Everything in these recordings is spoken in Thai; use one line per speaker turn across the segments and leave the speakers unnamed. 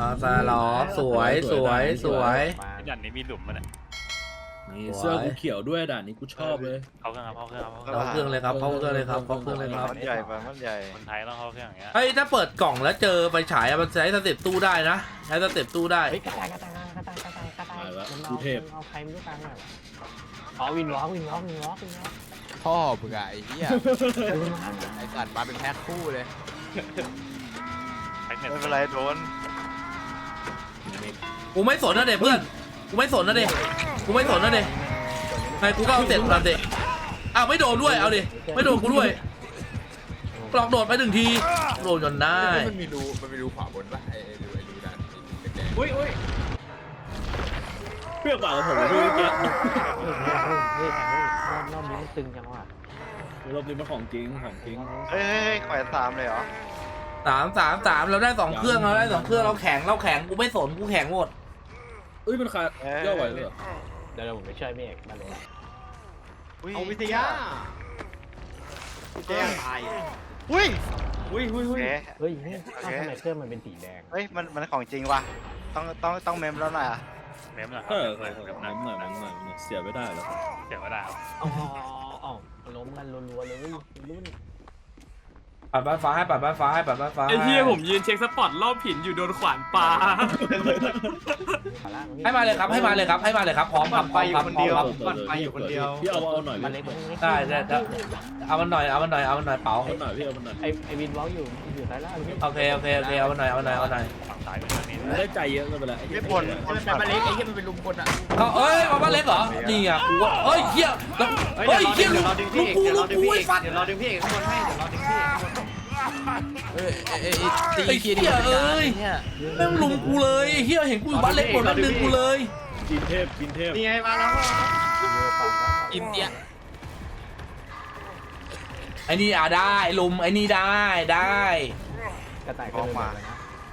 ซาล็อกสวยสวยสวย
ด่านนี้มีหลุมมันอ่ะ
นี่เสื้อกูเขียวด้วยด่านนี้กูชอบเลย
เข้าเครื่องครับเข้าเครื่องครับ
เข้าเครื่องเลยครับเข้าเครื่องเลยครับเข้าเครื่องเลยครับ
มันใหญ่ไปมันใหญ่
คนไทยต้องเข้าเครื่องอย่างเงี้ย
เฮ้ยถ้าเปิดกล่องแล้วเจอไฟฉายมันใช้สเต็ปตู้ได้นะใช้สเต็ปตู้ได้
เฮ้ยกระต่ายมันเอาใครไม่รู้ตังค์หน่อยวะอ๋อวินวอล์ก
พ่อมึงอะไอ้เหี้ยไอ้สัตว์มาเป็นแพ็คคู่เลย
แพ็กเน็ต
ไม่เป็นไรโดน
กูไม่สนนะเด็กเพื่อนกูไม่สนนะเด็กกูไม่สนนะเด็กไงกูก็เอาเสร็จตามเด็กอ้าวไม่โดนด้วยเอาดิไม่โดนกูด้วยกลอกโดดไป1 ทีโดนจนได้
มันมีรูขวาบนปะไอ้รูด้านแดง
อุ้ยเปรี้ยวกว่ากับผมเลยพี่เมื่อกี้
เฮ้ยรอบนี้มันตึงจังวะ
รอบนี้มันของจริงของจริง
เฮ้ยแขวน3เลยเหรอ
3เราได้2 เครื่องเราได้2 เครื่องเราแข็งกูไม่สนกูแข็งหมด
เอ้ยมันขาดย่อไหวเลยเหรอ
เดี๋ยวผมไปช่วยเมฆมาเลย
เอาวิทยาแจ้งตายอุ้ย
เฮ้ยทำไมเครื่องมันเป็นสีแดง
เฮ้ยมันของจริงว่ะต้องเมมแล้วหน่อยอ่ะ
เมมหน่อยค
เอ
รับ
อ
เมมหน่อย
น้ำหน่อยเสียไม่ได้แล้ว
เดี๋ยวก็ได้
อ๋อล้มกันรัวๆเลยรุ่น
ปัดบ้านฟ้าให้ปัดบ้านฟ้าให้ปัดบ้านฟ้า
ไอ้เหี้ยผมยืนเช็คสปอตรอบหินอยู่โดนขวานปลา
ให้มาเลยครับให้มาเลยครับให้มาเลยครับพร้อมครับพร้อมครับพร้อมครับ
ไปอยู่คนเดียวพี่เอาหน่อย
มันเล็ก
ได้เอามันหน่อยเป๋า
เอาหน่อยพี่เอาหน่อย
ไอวินวอล์กอยู่ซ้ายล่าง
โอเคเอามันหน่อย
ฝั่งซ้ายเป็นแบบนี้
ได้ใจเยอะเลยไปแล้ว
ไม่บน
มันเป็นมาเล็กไอ้เหี้ยมันเป็นลุมคนอะ
เขามาบ้านเล็กเหรอนี่อ่ะกูว่าเฮ้ยเหี้ยเหี้ยลูกกูไอ้ฟัด
เดี๋ยวรอดึงพี่เอกข้างบนให้เดี๋ยวรอดึงพี่เอกข้างบน
ตี
ไอ้
เคีย
เหี้ยเอ้ยแม่งลุมกูเลยเหี้ยเห็นกูอยู่บ้านเล็กหมดแล้วดึงกูเลย
กินเทพ
นี่ไงมาแล้ว
อินเดีย
ไอ้นี่ได้ลุมไอ้นี่ได้
กระต่ายก็เลยมาแล้วนะ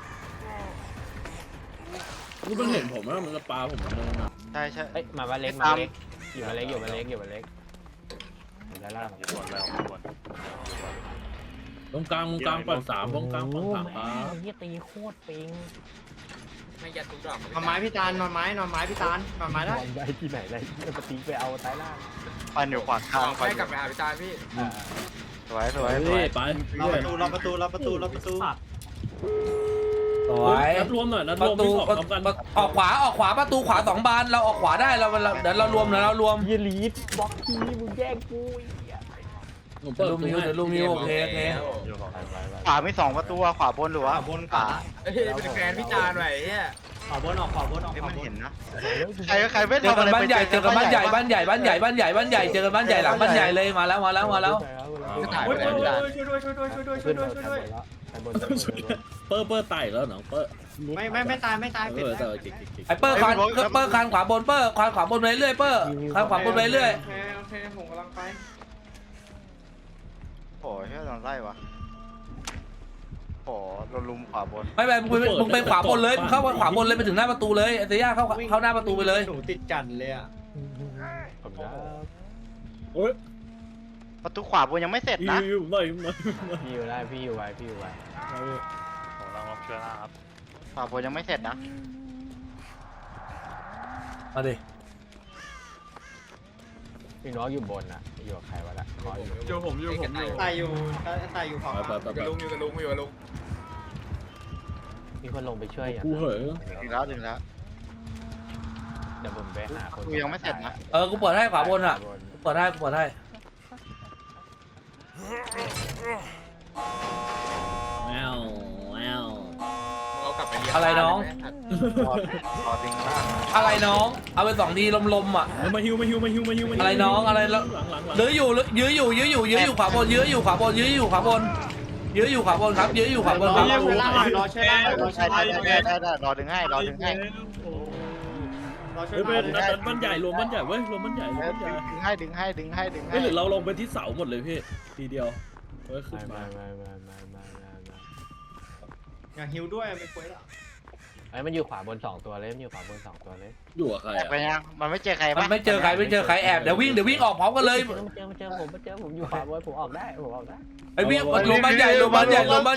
กูเพิ่งเห็นผมว่ามันจะปลาผมมันเลยนะ
ใช่
เฮ้ยมาบ้านเล็กอยู่บ้านเล็กซ้ายล่าง
อยู่บนแล้วบน
ตรงกลางปั่น3ตรงกลางปั่น3ปลา
เฮียตีโคตรปิง
ไม่ยัดทุกดอก
นอนไม้พี่ตาลนอนไม้พี่ตาลนอนไม้ได้
ได้ที่ไหนเลยปฏิไปเอาซ้ายล่าง
ปันอยู่ขวางทาง
ให้กลับไปหาพี่ตาพี่
สวย
เฮ้ยไป
รอประตู
สวย
นัดรวมหน่อยนัด
ป
ร
ระ
วม
ตู
พี่ขอพร้อมกัน
ออกขวาประตูขวา2 บานเราออกขวาได้เราเดี๋ยวเรารวม
เฮียลีดบล็อกทีมึงแย่งกู
ผมเปิด
ลุมนิ้วโอเค
อยู่ของ
ขวาไม่2 ประตูขวาบนหรือวะบนขวา
เฮ้ยเป็นแฟนพี่จานหน่อยไอ้เหี้ย
มันเห็นนะใครไม่
เจอ
ทำ
กั
อะ
น
ไร
บ้านใหญ่เจอกันบ้านใหญ่บ้านใหญ่เจอกันบ้านใหญ่หลังบ้านใหญ่เลยมาแล้ว
ถ่ายไปแล้วพี่จาน
ขึ้นบน
ไต่แล้วเนาะ
ไม่ตาย
แต่เก่ง
ไอ้เปอร์คานขวาบนคานขวาบนไปเรื่อยคานขวาบนไปเรื่อย
โอเคผมกำลังไปโอ้ยโดนไล่วะโอ้โดนลุมขวาบน
ไม่มึงไปขวาบนเลยเข้าขวาบนเลยไปถึงหน้าประตูเลยไอ้เซียเข้าหน้าประตูไปเลย
หนูติดจันเลยอ่ะ
ผมได้
โอ้ย
ประตูขวาบนยังไม่เสร็จนะ
อยู่หน่อย
พี่อยู่ได้พี่อยู่ไว้
ผมลองลบเชื้อราครับ
ขวาบนยังไม่เสร็จนะ
มาดิ
พี่น้องอยู่บนอ่ะอยู่กับใครวะล่ะขออยู่
อยู่ผมอยู่
ตายอยู่ขวา
ไป
อยู่กับลุงอยู่กับลุง
มีคนลงไปช่วยอย่าง
กูเหย
ถึงแล้ว
เดี๋ยวผมไปหาคน
กูยังไม่เสร็จนะ
กูเปิดให้ขวาบนอ่ะเปิดให้
แมว
เรากลับไปเรียน
อะไรน้อง
รอดึงล่าง
อะไรน้องเอาไป2 ทีลมอ่ะ
มาฮิว
อะไรน้องอะไรแล้ว
หลัง
ยื้ออยู่ขวาบนยื้ออยู่ขวาบนครับยื้ออยู่ขวาบนครับ
ได้รอดึงให้
เฮ้ยเป็นนัดบ้านใหญ่รวมบ้านใหญ่เว้ยรวมบ้านใหญ่
ดึงให้
เฮ้ยหรือเราลงไปที่เสาหมดเลยพี่ทีเดียวเฮ้ยขึ้นมา
ไม่
อยากฮิวด้วยไม่ควรหรอ
ไอ้มันอยู่ขวาบน2ตัวเลยมันอยู่ขวาบน2ตัวเลย
อยู่กับใคร
แอบไป
อ่ะ
ยังมันไม่เจอใคร
มัน
ปะ
ไม่เจอใครแอบเดี๋ยววิ่งออกพร้อมกันเลย
มันเจอผมอยู่ขวาบนผมออกได้ผมออกได้
ไอ้วิ่งลงบ้านใหญ่ลงบ้านใหญ่
ผมออกขวาบน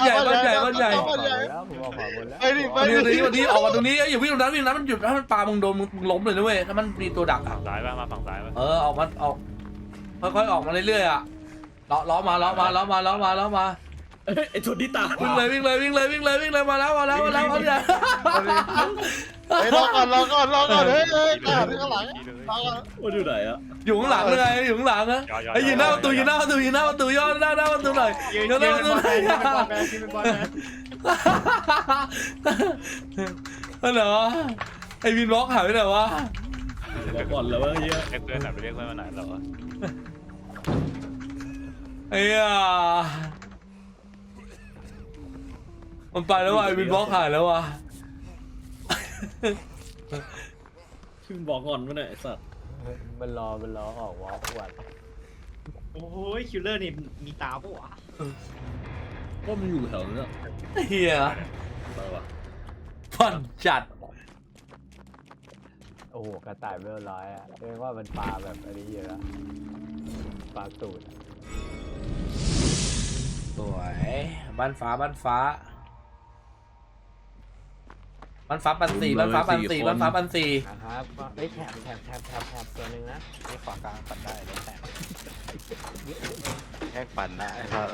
แล้ว
ไอ้นี่ไป
วันนี้ออกมาตรงนี้อย่าวิ่งตรงนั้นมันหยุดถ้ามันปามึงโดนมึงล้มเลยนะเว้ยถ้ามันมีตัวดักอ่ะ
ฝั่งซ้ายป่ะมาฝั่งซ้ายป่ะ
ออกค่อยๆออกมาเรื่อยๆอ่ะล้อมา
ไอ้ชนที่ตา
วิ่งเลยมาแล้วเนี่ย
ไอ้รอก่อนเฮ้ยข้างหลัง
มันอยู่ไหนอ่ะ
อยู่ข้างหลังเลยอยู่ข้างหลังนะไอ้ยืนหน้าประตูย่อหน้าประตูหน่อยย่อหน้าประตูหน่อยเหรอไอ้วินบล็อกหายไปไหนวะ
เราก่อนแล้วว่าเฮีย
เรียกเพื่อนหน่อยไปเรียกเพื่อนมาหน่อยเหรอ
ไอ้มันไปแล้วว่ะไอ้วินบล็อกหายแล้วว่ะ
ชื่อบอกก่อนว่าเนี่ยไอ้สัตว์
มันรอออกวอล์กวัน
โอ้ยคิลเลอร์นี่มีตาปะวะ
ว่ามันอยู่แถวนั้นอ่ะ
เฮีย
ไปวะ
ผ่อนจัด
โอ้โหกระต่ายเวลร้อยอ่ะเรียกว่ามันปลาแบบอันนี้เยอะปลาตูด
สวยบ้านฟ้าปันสี่
นะครับไอ้แถบตัวนึงนะ
นี่ขวากลางปัดได้แล้วแต่
แค่ปั่นนะไอ้สัส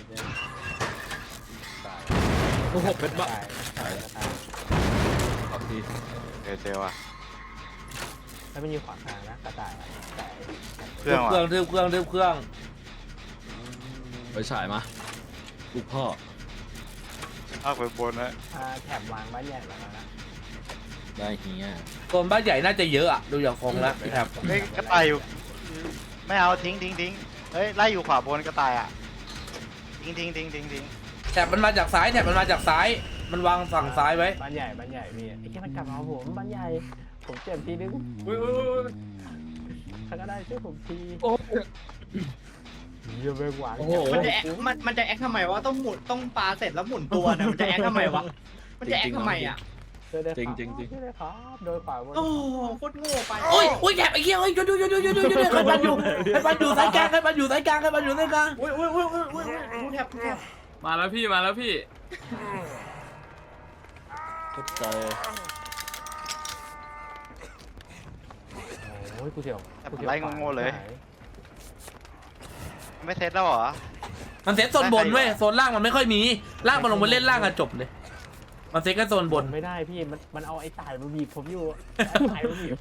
โอ้โหเป็นบ้า
ตาย
ขอบที
เจอว่ะ
แล้วมันอยู่ขวากลางนะกระต่ายแต่
เครื่องว่ะ
เครื่อง
ไปฉายมาลูกพ่อ
เอาไปบนนะ
แถบวางบ้านใหญ่แล้วนะ
ได้เฮีย
โซนบ้านใหญ่น่าจะเยอะอะดูอย่างคงแล้วครับ
เฮ้ยกระต่ายอยู่ไม่เอาทิ้งเฮ้ยไล่อยู่ขวาบนกระต่ายอ่ะทิ้ง
แถบมันมาจากซ้ายมันวางฝั่งซ้ายไว้
บ้านใหญ่พี่ไอ้แค่มันกลับมาผมบ้านใหญ่ผมเจ็บทีนึง
อุ้ย
ใครก็ได้ช่วยผมทีเยอะไปกว่า
มันจะแอคทำไมวะต้องหมุนต้องปาเสร็จแล้วหมุนตัวนะมันจะแอคทำไมวะมันจะแอคทำไมอ่ะ
ช่วยได้ครับโดยฝ่ายบน
โอ้โคตรโง่ไป
โอ้ยแถบไอ้เหี้ยเฮ้ยดูใครมันอยู่สายกลางอุ้ย
แทบ
มาแล้วพี่
เข้าใจ
โอ้ยกูเสียว
ไล่โง่เลย ไม่เซตแล้วเหรอ
มันเซตโซนบนเว้ยโซนล่างมันไม่ค่อยมีล่างมันลงไปเล่นล่างกันจบเลยมันเซตแค่โซนบน
ไม่ได้พี่มันเอาไอ้ตายมาบีบผมอยู่ตายมาบีบ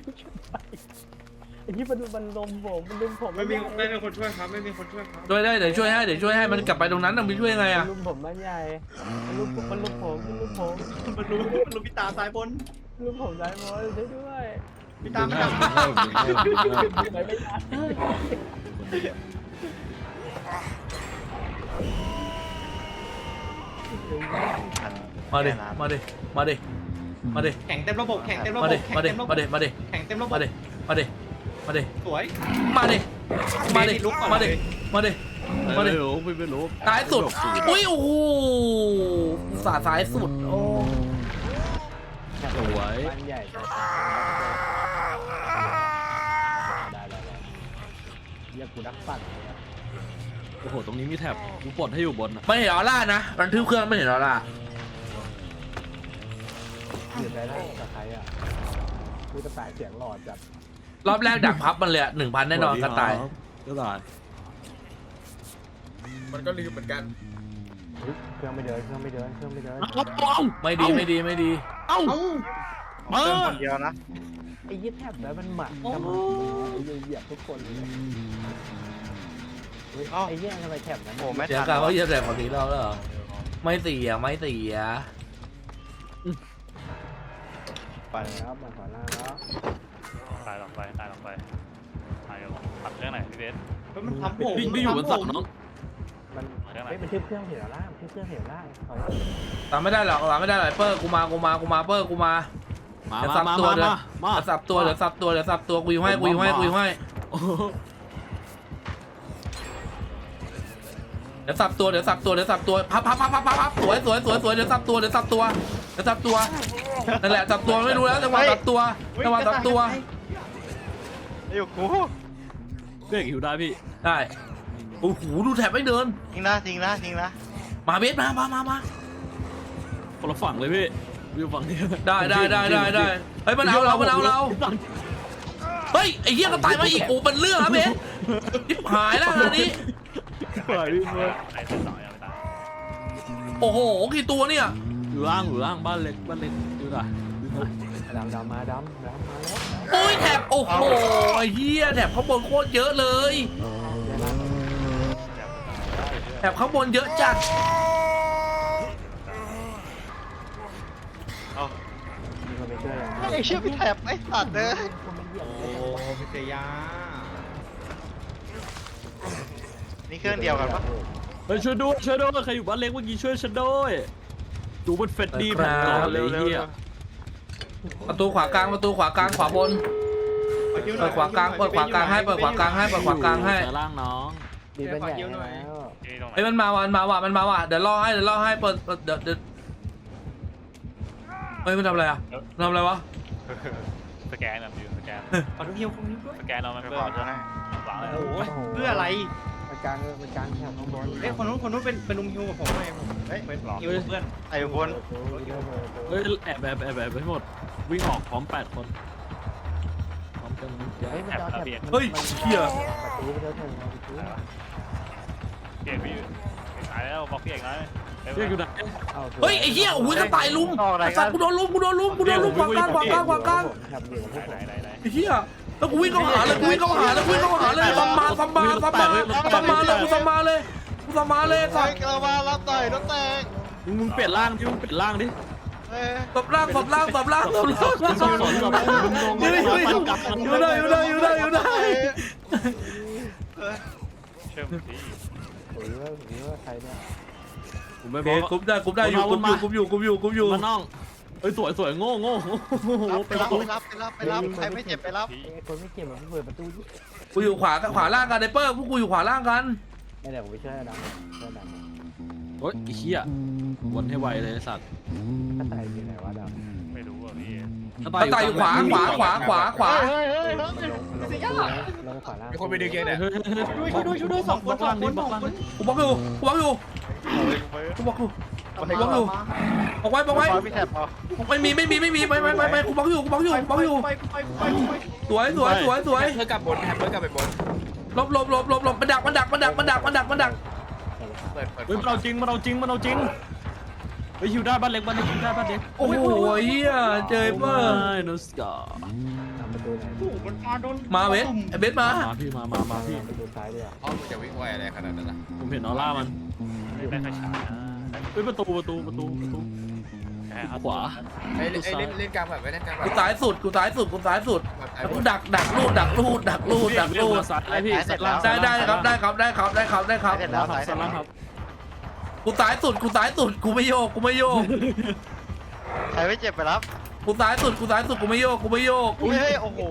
ไอ้ที่มันลมผมมันลุมผม
ไม่มีคนช่วยครับไม่มีคนช่วยครับ
ช่วยได้เดี๋ยวช่วยให้มันกลับไปตรงนั้นต้องไปช่วยยังไงอะ
ลุมผมบ้านใหญ่มันลุมผม
มันรู้พี่ตาซ้ายบน
ลุมผมได้หมดช่วยด้วย
พี่ตาไม่ทำ
ไม่ได้
มาดิ
แข่งเต็มระบบแข่งเต็มระบบ
มาดิ
แข่งเต็มระบบ
มาดิ
สวย
มาดิ
ไม่รู้
ซ้ายสุดอุ้ยโอ้โหสาซ้ายสุดโอ้
สวย
บ้านใหญ่ได้เรียกกูนักปั่น
โอ้โหตรงนี้มีแถบกูปลดให้อยู่บนอ่ะ
ไม่เห็นออร่านะมันทึบเครื่องไม่เห็นออร่า
อยู่ได้กับใครอ่ะกูจะตายเสียงหลอดจัด
รอบแรกดักพับมันเลย1,000แน่นอนกระต่าย
ก็ตาย
มันก็ลืมเหมือนกัน
เครื่องไม่เดิน
ไม่ดี
เอ้า
เติมคนเดียวนะ
ไอ้ยี่แทบแล้วมันหมักจะมาเหยียบทุกคนเลยไอ้แย่ทำไมแถบนั้น
โอ้ไม่
เสีย
ทัน
การว่าเยอะแต่ของทีเราแล้วเหรอไม่เสีย
ปั่น
ครับมาขอล่าแล้ว
ตายลงไปตายขับเครื่องไหนพี่เบส
มันทำผม
พี่อยู่บนเสาน้อง
มันทึบเครื่องเห็นล่างทึบเครื่องเห็นล่าง
ตามไม่ได้หรอกเปอร์กูมาเปอร์กูมาเดี๋ยวสับตัวเดี๋ยวสับตัวกูอยู่ให้เดี๋ยวสับตัวพับสวยเดี๋ยวสับตัวจะจับตัวนั่นแหละจับตัวไม่รู้แล้วจังหวะจับตัวจังหวะจับตัว
อยู่กู
เบรกหิวได้พี่
ได้โอ้โหดูแถบไม่เดิน
ทิ้งนะทิ้งนะทิ้งนะ
มาเบสมา
คนละฝั่งเลยพี่วิวฝั่งนี้
ได้เฮ้ยมันเอาเราเฮ้ยไอ้เหี้ยก็ตายมาอีกโอ้เป็นเรื่องนะเบสทิบหายแล้วงานนี้
ปล่อยพี่เลยไอ้ตัวสองยังไม่ตาย
โอ้โหกี่ตัวเนี่ย
อยู่ล่างบ้านเล็กดูหน่อย
ดำมาแล้ว
โอ้ยแถบโอ้โหไอ้เหี้ยแถบข้างบนโคตรเยอะเลยแถบข้างบนเยอะจัด
เอา
มีคนไปช่วยยัง
ไอ้เชี่ยพี่แถบไอ้สัตว์เลย
โอ้พิเศษยา
นี่เครื่องเดียวกันปะ
เฮ้ยช่วยด้วยใครอยู่บ้านเล็กเมื่อกี้ช่วยฉันด้วยดูมันเฟดดีแผ่นก่อนเลยเฮีย
ประตูขวากลางขวาบนเปิดขวากลางให้เปิดขวากลางให้
ล่างน้อง
ดีเป็นใหญ่แล้ว
เฮ้ยมันมาว่ะเดี๋ยวล่อให้เปิดเดี๋ยวเฮ้ยมันทำอะไรอ่ะทำอะไรวะ
สแกนแบบอยู่สแกน
ขอดูฮิวคนนี้ด้วย
สแกนเรามัน
ไม่
เพื่
พ
อ
อใช่ไหม
หวังเลย
โอ้โหเพื่ออะไร
มันกลางแถบข้างบน
เอ้ยคนนู้นเป็นลุมฮิวกับผมเลยผม
เฮ้ย
เป็นฮิวเพื่อน
ไอ้คน
เฮ้ยแอบไปหมดวิ่งออกพร้อม8 คนพร้อมกัน
เฮ้ยมันจะแถบ
เฮ้ยเหี้ย
ประตูไปเจอถึง
เก่งพี่ตายแล้วบอกพี่เอกนะเรียกอยู่ไหน
เฮ้ยไอ้เหี้ยโอ้ยกระต่ายลุมไอ้สัตว์กูโดนลุมขวากลาง
แถบอยู่กับพวกผม
ไหน
ไอ้เหี้ยแล้วกูวิ่งเข้าหาเลยซัมมาเลยกูซัมมาเลยสัตว์
เรามารับต่อยรถแตก
มึงเปลี่ยนร่างดิมึงเปลี่ยนร่างดิ
เฮ้ย
สับล่างอยู่ได้
เชื่อมดิ
ผมว่าใครเนี่ย
ผมไม่
โอบ เค
อก
กุมได้อยู่
มาน้องเอ้ยสวยโง่
ไปรับใครไม่เจ็บไปรับ
คนไม่เก็บมันเปิดประตู
กูอยู่ขวาล่างกันไนเปอร์พวกกูอยู่ขวาล่างกัน
ไม่เดี๋ยวผมไปช่วยดำช่วยดำ
โอ๊ยไอ้เหี้ยวนให้ไวเลยสัตว์
กระต่ายอยู่ไหนวะดำ
ไม่รู้อ่ะพี่
กระต่ายอยู่ขวา
ลงขวาล่าง
มีคนไปดึงเกมเนี่ย
ช่วยด้วยสองคน
กูบล็อกอยู่ออกไว้
พี่แถบพอ
ไม่มีไปกูบล็อกอยู่สวย
เธอกลับบนแฮมเบอร์กลับไปบน
ลบมันดัก
เปิด
เฮ้ยมันเอาจริงเฮ้ยฮิวได้บ้านเล็กฮิวได้บ้านเล็ก
โอ้โหเฮียเจอเปอร์
โนสกา
ทำประตูไหน
โอ้โหมันมาโดน
มาเบสไอเบสมา
พี่มาพี่
ประตูซ้ายด้วย
อ๋อมึงจะวิ่งไวอะไรขนาดนั้นนะ
ผมเห็นออร่ามันได้ไฟฉายเฮ้ยประตูขวา
เล่นกลางแบบไม่เล่นกลางแบบ
กูซ้ายสุดแล้วกูดักรูด
ซ้ายพี่
ได้ครับ
เสร็จแล้วสายเสร็จแล้ว
ครับ
กูซ้ายสุดกูไม่โยก
ใครไม่เจ็บไปรับ
กูซ้ายสุดกูไม่โยก
เฮ้ยโอ้โห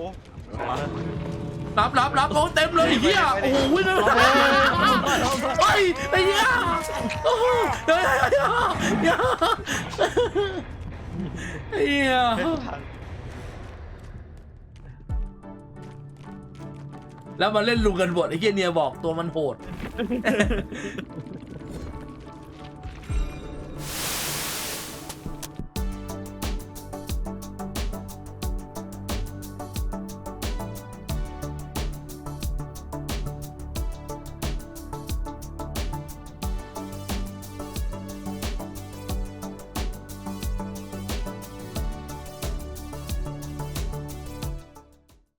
รับโอ้เต็มเลยเฮียโอ้โหวิ่งเลยไอ้เฮียโอ้โหไอ้เฮียแล้วมาเล่นลุงกันบทไอ้เฮียเนียบอกตัวมันโหด